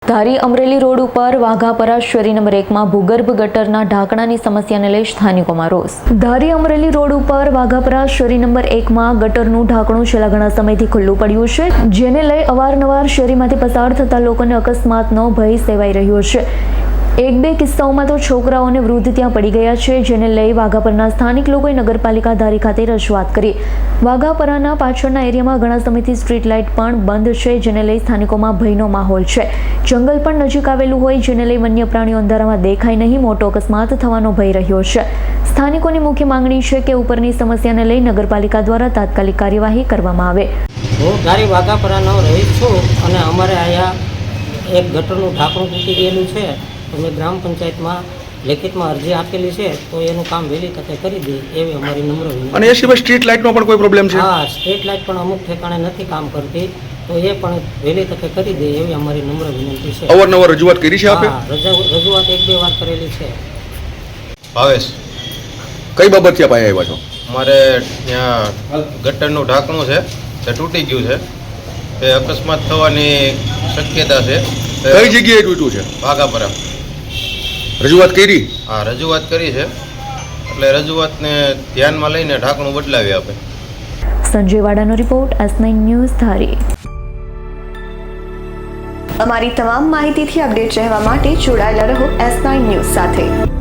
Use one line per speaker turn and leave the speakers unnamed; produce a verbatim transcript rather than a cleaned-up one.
ધારી Amreli road ઉપર વાઘાપરા શેરી number એકમાં ભૂગર્ભ ગટરના ઢાંકણાની સમસ્યાને લઈ સ્થાનિકોમાં રોષ। ધારી અમરેલી રોડ ઉપર વાઘાપરા શેરી નંબર એકમાં ગટરનું ઢાંકણું છેલ્લા ઘણા સમયથી ખુલ્લું પડ્યું છે, જેને લઈ અવારનવાર શેરીમાંથી પસાર થતા લોકોને અકસ્માતનો ભય સેવાઈ રહ્યો છે। એક બે કિસ્સાઓમાં તો છોકરાઓ અને વૃદ્ધ ત્યાં પડી ગયા છે, જેને લઈ વાઘાપરના સ્થાનિક લોકોએ નગરપાલિકા ધારી ખાતે રજૂઆત કરી। વાઘાપરાના પાછળના એરિયામાં ઘણા સમયથી સ્ટ્રીટ લાઇટ પણ બંધ છે, જેને લઈ સ્થાનિકોમાં ભયનો માહોલ છે। જંગલ પણ નજીક આવેલું હોય, જેને લઈ વન્ય પ્રાણીઓ અંધારામાં દેખાય નહીં, મોટો અકસ્માત થવાનો ભય રહ્યો છે। સ્થાનિકોની મુખ્ય માંગણી છે કે ઉપરની સમસ્યાને લઈ નગરપાલિકા દ્વારા તાત્કાલિક કાર્યવાહી કરવામાં આવે।
હું ધારી વાઘાપરાનો રહીશ છું અને અમારે અહીંયા એક ગટરનું ઢાંકણું તૂટી ગયેલું છે, તો મેં ગ્રામ પંચાયતમાં લેખિતમાં અરજી આપેલી છે, તો એનું કામ વહેલી તકે કરી દે એવી અમારી નમ્ર વિનંતી।
અને એ સિવાય સ્ટ્રીટ લાઇટનો પણ કોઈ પ્રોબ્લેમ છે?
હા, સ્ટ્રીટ લાઇટ પણ અમુક ઠેકાણે નથી કામ કરતી, તો એ પણ વહેલી તકે કરી દે એવી અમારી નમ્ર વિનંતી છે।
અવારનવાર રજૂઆત કરી છે આપે?
હા, રજૂઆત એક બે વાર કરેલી છે।
ભાવેશ,
કઈ બાબતથી આપ અહીંયા આવ્યા છો?
મારે ત્યાં ગટરનું ઢાંકણું છે તે તૂટી ગયું છે, તે અકસ્માત થવાની શક્યતા છે।
કઈ જગ્યાએ તૂટ્યું છે?
વાઘાપરા।
રજૂઆત કરી?
હા, રજૂઆત કરી છે, એટલે રજૂઆતને ધ્યાનમાં લઈને ઢાંકણું બદલાવી આપે।
સંજય વાડાનો report, S nine news Dhari.
અમારી તમામ માહિતીથી અપડેટ રહેવા માટે જોડાયેલા રહો એસ નાઇન ન્યૂઝ સાથે।